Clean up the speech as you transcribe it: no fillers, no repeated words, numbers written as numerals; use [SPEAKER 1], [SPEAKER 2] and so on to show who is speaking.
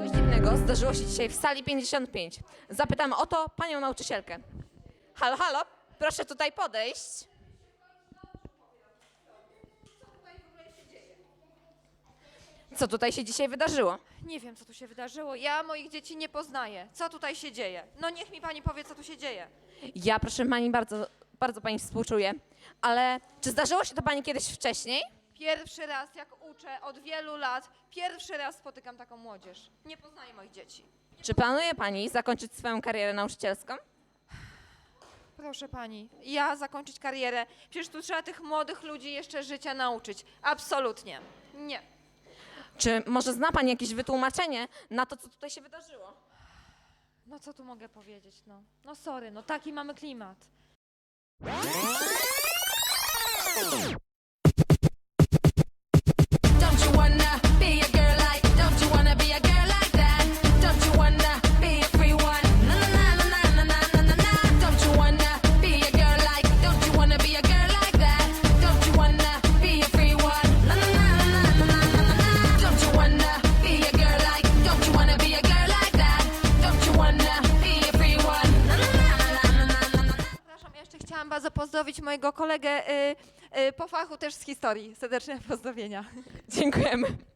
[SPEAKER 1] Coś dziwnego zdarzyło się dzisiaj w sali 55. Zapytam o to panią nauczycielkę. Halo, halo, proszę tutaj podejść. Co tutaj się dzisiaj wydarzyło?
[SPEAKER 2] Nie wiem, co tu się wydarzyło. Ja moich dzieci nie poznaję. Co tutaj się dzieje? No niech mi pani powie, co tu się dzieje.
[SPEAKER 1] Ja, proszę pani, bardzo pani współczuję, ale czy zdarzyło się to pani kiedyś wcześniej?
[SPEAKER 2] Pierwszy raz, jak uczę od wielu lat, pierwszy raz spotykam taką młodzież. Nie poznaję moich dzieci.
[SPEAKER 1] Czy planuje pani zakończyć swoją karierę nauczycielską?
[SPEAKER 2] Proszę pani, ja zakończyć karierę. Przecież tu trzeba tych młodych ludzi jeszcze życia nauczyć. Absolutnie. Nie.
[SPEAKER 1] Czy może zna pani jakieś wytłumaczenie na to, co tutaj się wydarzyło?
[SPEAKER 2] No co tu mogę powiedzieć, no. No sorry, no taki mamy klimat.
[SPEAKER 3] Don't you wanna be a girl like? Don't you wanna be a girl like that? Don't you wanna be a free one? Na na na na na na na na na. Don't you wanna be a girl like? Don't you wanna be a girl like that? Don't you wanna be a free one? Na na na na na na na na. Don't you wanna be a girl like? Don't you wanna be a girl like that? Don't you wanna be a free one? Na na na na na na na.
[SPEAKER 2] Przepraszam, ja jeszcze chciałam bardzo pozdrowić mojego kolegę po fachu też z historii. Serdeczne pozdrowienia.
[SPEAKER 1] Dziękujemy.